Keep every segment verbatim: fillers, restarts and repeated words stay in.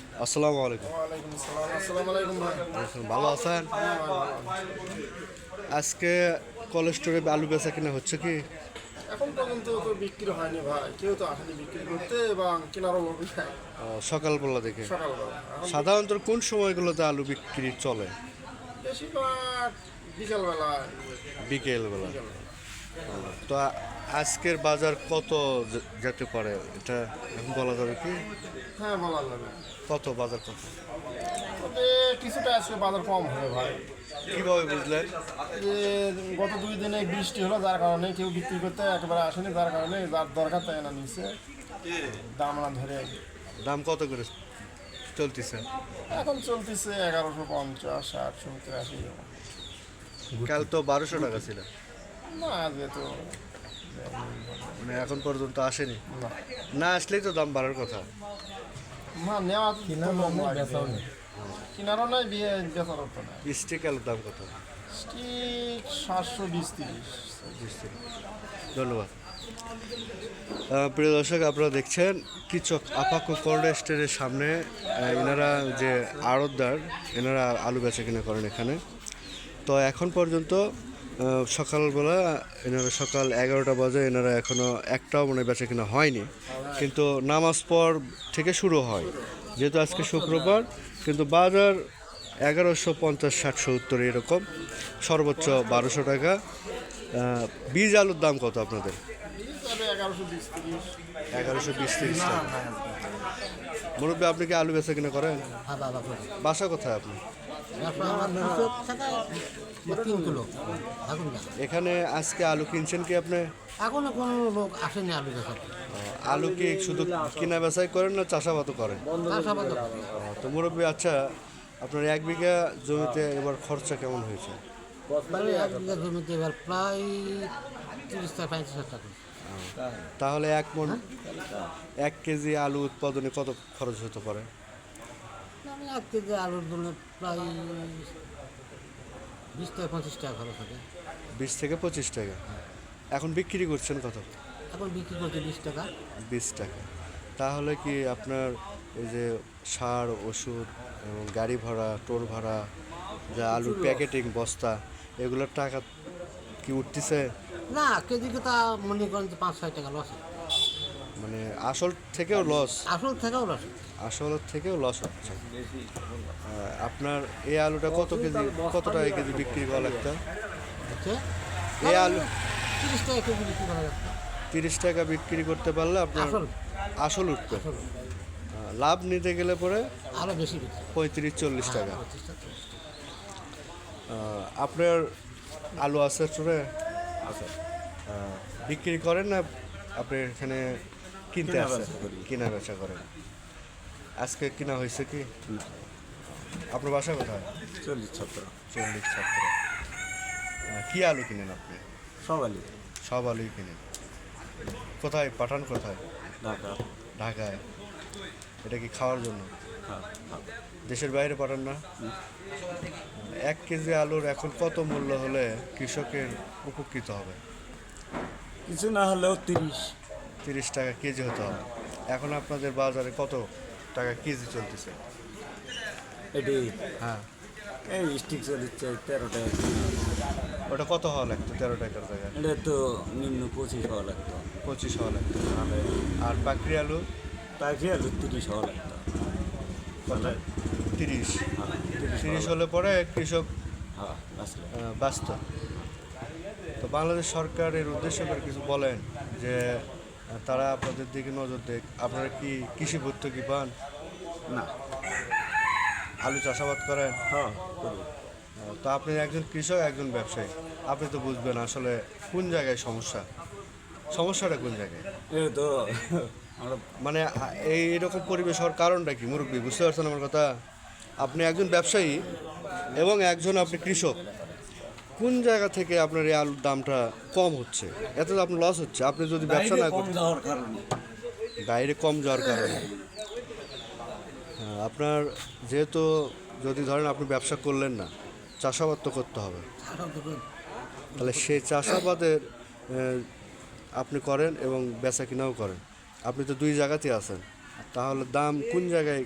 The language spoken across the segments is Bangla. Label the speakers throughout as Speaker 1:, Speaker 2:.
Speaker 1: আসসালামু আলাইকুম।
Speaker 2: ওয়ালাইকুম আসসালাম। আসসালামু আলাইকুম ভাই।
Speaker 1: ভালো আছেন?
Speaker 2: হ্যাঁ ভাই, ভালো আছি।
Speaker 1: আজকে কোল্ড স্টোরে আলু বেচা কিনা হচ্ছে কি?
Speaker 2: এখন পর্যন্ত তো বিক্রি হয়নি ভাই, কেউ তো আসেনি বিক্রি করতে এবং কেনারও লোক নাই
Speaker 1: আহ, সকালবেলা দেখে
Speaker 2: সকালবেলা। এখন
Speaker 1: সাধারণত কোন সময়গুলোতে আলু বিক্রি চলে?
Speaker 2: বেশিরভাগ বিকালবেলা।
Speaker 1: বিকেলবেলা।
Speaker 2: বিকালবেলা
Speaker 1: তো আ- আজকের বাজার কত যে- যেতে পারে এটা এখন বলা যাবে কি?
Speaker 2: হ্যাঁ, বলা যাবে।
Speaker 1: কত বাজার কত?
Speaker 2: তবে কিছুটা আজকে বাজার কম হবে ভাই।
Speaker 1: কিভাবে বুঝলেন?
Speaker 2: যে গত দুই দিনে বৃষ্টি হলো, যার কারণে কেউ বিক্রি করতে একেবারে আসেনি, যার কারণে যার দরকার তাই না নিচ্ছে দাম না ধরে।
Speaker 1: দাম কত করে চলতেছে?
Speaker 2: এখন চলতেছে এগারোশো পঞ্চাশ, ষাট, সত্তর, আশি।
Speaker 1: কাল তো বারোশো টাকা ছিল,
Speaker 2: না যেহেতু
Speaker 1: মানে এখন পর্যন্ত আসেনি।
Speaker 2: না
Speaker 1: না আসলেই তো দাম বাড়ার কথা।
Speaker 2: না নেওয়া তো লোক লাগবে। কিনারও নাই, বিয়ে বেচারও তো নাই।
Speaker 1: স্টিক আলুর দাম কত?
Speaker 2: স্টিক সাতশো বিশ তিরিশ।
Speaker 1: ধন্যবাদ। আহ, প্রিয় দর্শক, আপনারা দেখছেন কৃষক আপাকো কোল্ড স্টোরের সামনে আহ, এনারা যে আড়তদার, এনারা আলু বেচা কিনা করেন এখানে। তো এখন পর্যন্ত আহ, সকালবেলা এনারা সকাল এগারোটা বাজে, এনারা এখনও একটাও মানে বেচা কিনা হয়নি, কিন্তু নামাজ পর থেকে শুরু হয়। যেহেতু আজকে শুক্রবার, কিন্তু বাজার এগারোশো পঞ্চাশ, ষাট, সত্তর এরকম, সর্বোচ্চ বারোশো টাকা। আহ, বীজ আলুর দাম কত আপনাদের?
Speaker 2: তবে এগারোশো বিশ তিরিশ।
Speaker 1: এগারোশো বিশ তিরিশ টাকা। মুরব্বী, আপনি কি আলু বেচা কিনা করেন?
Speaker 3: হ্যাঁ বাবা করে
Speaker 1: বাসা কোথায় আপনি?
Speaker 3: তারপর আমার দুশো টাকা তিন কিলো এখন না।
Speaker 1: এখানে আজকে আলু কিনছেন কি আপনি?
Speaker 3: এখনো কোনো লোক আসেনি আলু বেচার
Speaker 1: আলু কি শুধু কিনা বেচাই করেন না চাষাবাদও করেন?
Speaker 3: চাষাবাদ
Speaker 1: তো মুরব্বী, আচ্ছা, আপনার এক বিঘা জমিতে এবার খরচা কেমন হয়েছে?
Speaker 3: মানে এক বিঘা জমিতে এবার প্রায় তিরিশ থেকে পঁয়ত্রিশ হাজার টাকা।
Speaker 1: তাহলে এক মন এক কেজি আলু উৎপাদনে কত খরচ হতে পারে?
Speaker 3: মানে এক কেজি আলুর জন্য প্রায় বিশ থেকে পঁচিশ টাকা খরচ হবে।
Speaker 1: বিশ থেকে পঁচিশ টাকা। এখন বিক্রি করছেন কত?
Speaker 3: এখন বিক্রি করছে বিশ টাকা।
Speaker 1: বিশ টাকা। তাহলে কি আপনার এই যে সার, ওষুধ এবং গাড়ি ভাড়া, টোল ভাড়া, যা আলুর প্যাকেটিং বস্তা, এগুলোর টাকা কি উঠতেছে?
Speaker 3: না, কেজিকে তা মনে করেন যে পাঁচ ছয় টাকা লস।
Speaker 1: মানে আসল থেকেও লস?
Speaker 3: আসল থেকেও লস।
Speaker 1: আসল থেকেও লস হচ্ছে। আহ, আপনার এই আলুটা কত কেজি, কত টাকা কেজি বিক্রি করা লাগতো?
Speaker 3: হচ্ছে
Speaker 1: এই আলু
Speaker 3: তিরিশ টাকা কেজি বিক্রি করা যাচ্ছে।
Speaker 1: তিরিশ টাকা বিক্রি করতে পারলে আপনার
Speaker 3: আসল
Speaker 1: আসল উঠবে।
Speaker 3: আসল
Speaker 1: আহ, লাভ নিতে গেলে পরে
Speaker 3: আরও বেশি বিক্রি।
Speaker 1: পঁয়ত্রিশ চল্লিশ টাকা।
Speaker 3: পঁচিশ টাকা চল্লিশ টাকা।
Speaker 1: আহ, আপনার আলু আছে স্টোরে? বিক্রি করেন না আপনি এখানে কিনতে আসেন? কিনা বেচা করেন। আজকে কিনা হয়েছে কি? আপনার বাসা কোথায়?
Speaker 4: চল্লিশ ছত্র
Speaker 1: চল্লিশ ছাত্র। কি আলু কিনেন আপনি?
Speaker 4: সবাই
Speaker 1: সব আলুই কিনেন। কোথায় পাঠান, কোথায়?
Speaker 4: ঢাকা।
Speaker 1: ঢাকায়। এটা কি খাওয়ার জন্য?
Speaker 4: হ্যাঁ, হ্যাঁ।
Speaker 1: দেশের বাইরে পাঠান না? এক কেজি আলুর এখন কত মূল্য হলে কৃষকের উপকৃত হবে?
Speaker 4: কিছু না হলেও তিরিশ।
Speaker 1: তিরিশ টাকা কেজি হতে হবে। এখন আপনাদের বাজারে কত টাকা কেজি চলতেছে?
Speaker 4: এটি
Speaker 1: হ্যাঁ,
Speaker 4: এই স্টিক চলিচ্ছে তেরো টাকা।
Speaker 1: ওটা কত হওয়া লাগতো তেরো টাকার জায়গায়?
Speaker 4: এটা তো নিম্ন পঁচিশ হওয়া লাগতো।
Speaker 1: পঁচিশ হওয়া লাগতো।
Speaker 4: নাহলে
Speaker 1: আর পাকড়ি আলু?
Speaker 4: পাখি আলু তিরিশ হওয়া লাগতো।
Speaker 1: কত? তিরিশ।
Speaker 4: হ্যাঁ, তিরিশ
Speaker 1: তিরিশ
Speaker 4: হওয়া
Speaker 1: হলে পরে কৃষক
Speaker 4: লাগতো। হ্যাঁ, আসলে
Speaker 1: আহ, ব্যস্ত। তো বাংলাদেশ সরকারের উদ্দেশ্য করে কিছু বলেন যে আহ, তারা আপনাদের দিকে নজর দেখ। আপনারা কি কৃষি ভর্তুকি পান?
Speaker 4: না।
Speaker 1: আলু চাষাবাদ করেন?
Speaker 4: হ্যাঁ, করি।
Speaker 1: আহ, তো আপনি একজন কৃষক, একজন ব্যবসায়ী, আপনি তো বুঝবেন আসলে কোন জায়গায় সমস্যা। সমস্যাটা কোন জায়গায়?
Speaker 4: এই তো আমরা
Speaker 1: মানে আ- এই এরকম পরিবেশ হওয়ার কারণটা কি মুরব্বী, বুঝতে পারছেন আমার কথা? আপনি একজন ব্যবসায়ী এবং একজন আপনি কৃষক, কোন জায়গা থেকে আপনার এই আলুর দামটা কম হচ্ছে? এতে তো আপনার লস হচ্ছে। আপনি যদি ব্যবসা না
Speaker 4: কম
Speaker 1: করেন,
Speaker 4: যাওয়ার কারণে
Speaker 1: বাইরে কম যাওয়ার কারণে। হ্যাঁ, আপনার যেহেতু যদি ধরেন আপনি ব্যবসা করলেন না, চাষাবাদ তো করতে হবে,
Speaker 3: আরও দুটো
Speaker 1: তাহলে সেই চাষাবাদের আহ, আপনি করেন এবং বেচা কিনাও করেন, আপনি তো দুই জায়গাতেই আছেন, তাহলে দাম কোন জায়গায়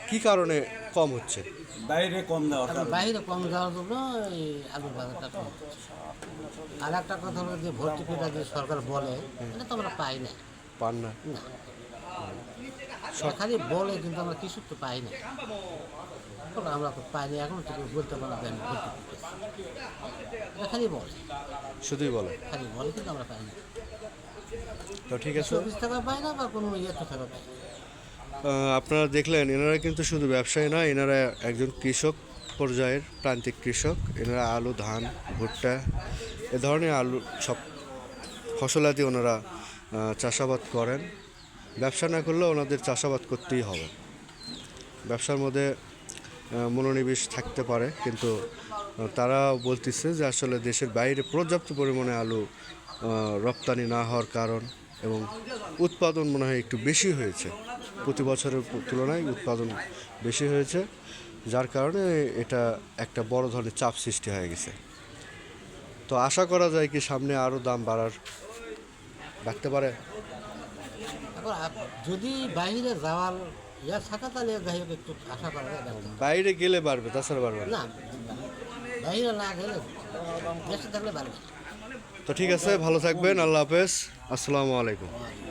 Speaker 1: কি কারণে কম হচ্ছে?
Speaker 4: বাইরে কম দেওয়ার
Speaker 3: এখন
Speaker 4: কারণে
Speaker 3: বাইরে কম যাওয়ার জন্য এই আলুর বাজারটা কম হচ্ছে। আর একটা কথা হলো যে ভর্তুকিটা যে সরকার বলে এটা তো আমরা পাই না।
Speaker 1: পান না?
Speaker 3: না খালি বলে কিন্তু আমরা কিছু তো পাই না। এখন আমরা তো পাই না, এখন থেকে বলতে পারলাম যে আমি ভর্তুকি পেয়েছি। এটা খালি বলে,
Speaker 1: শুধুই বলে।
Speaker 3: খালি বলে কিন্তু আমরা পাই না।
Speaker 1: তো ঠিক আছে,
Speaker 3: চব্বিশ টাকা পাই না বা কোনো ইয়ে তো টাকা পাই না।
Speaker 1: আহ, আপনারা দেখলেন এনারা কিন্তু শুধু ব্যবসায়ী না, এনারা একজন কৃষক পর্যায়ের প্রান্তিক কৃষক। এনারা আলু, ধান, ভুট্টা এ ধরনের আলু সব ফসলাদি ওনারা আহ, চাষাবাদ করেন। ব্যবসা না করলেও ওনাদের চাষাবাদ করতেই হবে। ব্যবসার মধ্যে আহ, মনোনিবেশ থাকতে পারে, কিন্তু আহ, তারা বলতেছে যে আসলে দেশের বাইরে পর্যাপ্ত পরিমাণে আলু আহ, রপ্তানি না হওয়ার কারণ এবং উৎপাদন মনে হয় একটু বেশি হয়েছে, প্রতি বছরের তুলনায় উৎপাদন বেশি হয়েছে, যার কারণে এটা একটা বড় ধরনের চাপ সৃষ্টি হয়ে গেছে। তো আশা করা যায় কি সামনে আরও দাম বাড়ার বাড়তে পারে।
Speaker 3: এখন আপ- যদি বাইরে যাওয়ার ইয়া থাকা তাহলে যাই হোক একটু আশা করা যায় ব্যবসা।
Speaker 1: বাইরে গেলে বাড়বে, তাছাড়া বাড়বে না।
Speaker 3: না বাইরে না গেলে দেশে থাকলে পারবে।
Speaker 1: তো ঠিক আছে, ভালো থাকবেন, আল্লাহ হাফেজ, আসসালামু আলাইকুম।